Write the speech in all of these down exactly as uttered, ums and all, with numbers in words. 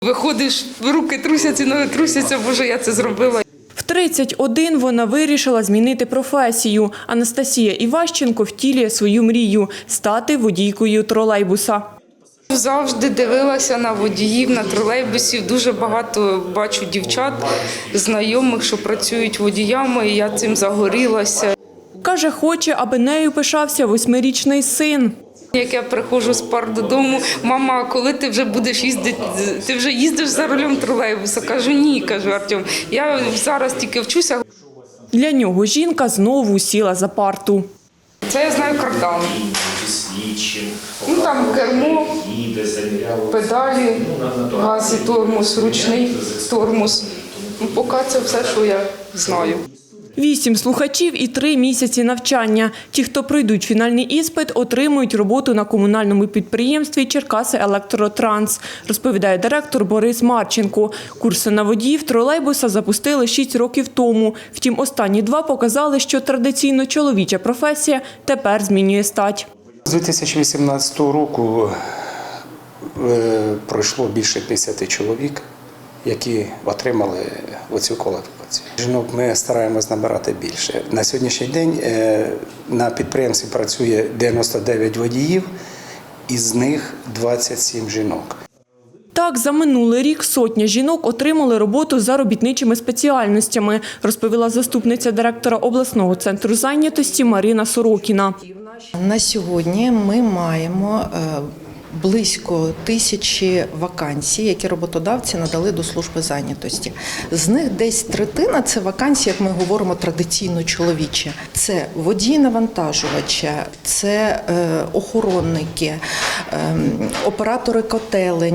Виходиш, руки трусяться, ноги трусяться, боже, я це зробила. В тридцять один вона вирішила змінити професію. Анастасія Іващенко втілює свою мрію – стати водійкою тролейбуса. Завжди дивилася на водіїв, на тролейбусів. Дуже багато бачу дівчат, знайомих, що працюють водіями, і я цим загорілася. Каже, хоче, аби нею пишався восьмирічний син. Як я приходжу з пар додому, мама, коли ти вже будеш їздити, ти вже їздиш за рулем тролейбуса? Кажу, ні, кажу, Артем, я зараз тільки вчуся. Для нього жінка знову сіла за парту. Це я знаю кардан. Ну, там кермо, педалі, газ і тормоз, ручний тормоз. Ну, поки це все, що я знаю. Вісім слухачів і три місяці навчання. Ті, хто пройдуть фінальний іспит, отримують роботу на комунальному підприємстві «Черкаси-Електротранс», розповідає директор Борис Марченко. Курси на водіїв тролейбуса запустили шість років тому. Втім, останні два показали, що традиційно чоловіча професія тепер змінює стать. З дві тисячі вісімнадцятого року пройшло більше п'ятдесят чоловік, які отримали оцю кваліфікацію. Жінок ми стараємось набирати більше. На сьогоднішній день на підприємстві працює дев'яносто дев'ять водіїв, із них двадцять сім жінок. Так, за минулий рік сотня жінок отримали роботу за робітничими спеціальностями, розповіла заступниця директора обласного центру зайнятості Марина Сорокіна. На сьогодні ми маємо близько тисячі вакансій, які роботодавці надали до служби зайнятості. З них десь третина – це вакансії, як ми говоримо, традиційно чоловічі. Це водії-навантажувача, це охоронники, оператори котелень.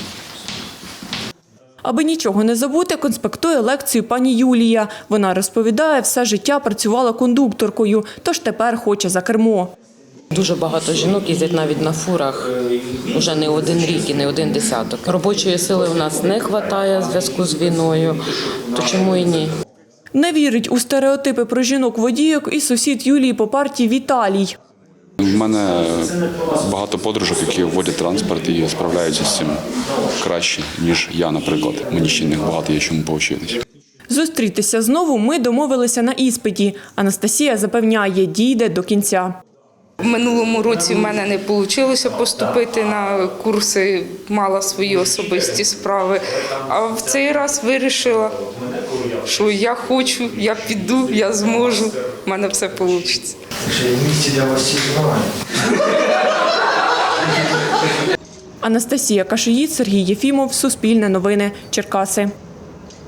Аби нічого не забути, конспектує лекцію пані Юлія. Вона розповідає, все життя працювала кондукторкою, тож тепер хоче за кермо. Дуже багато жінок їздять навіть на фурах вже не один рік і не один десяток. Робочої сили у нас не вистачає в зв'язку з війною, то чому і ні? Не вірить у стереотипи про жінок-водійок і сусід Юлії по парті Віталій. У мене багато подружок, які водять транспорт і справляються з цим краще, ніж я, наприклад. Мені ще не багато є чому повчитись. Зустрітися знову ми домовилися на іспиті. Анастасія запевняє, дійде до кінця. В минулому році в мене не вийшло поступити на курси, мала свої особисті справи. А в цей раз вирішила, що я хочу, я піду, я зможу, в мене все вийде. Анастасія Кашиїд, Сергій Єфімов, Суспільне новини, Черкаси.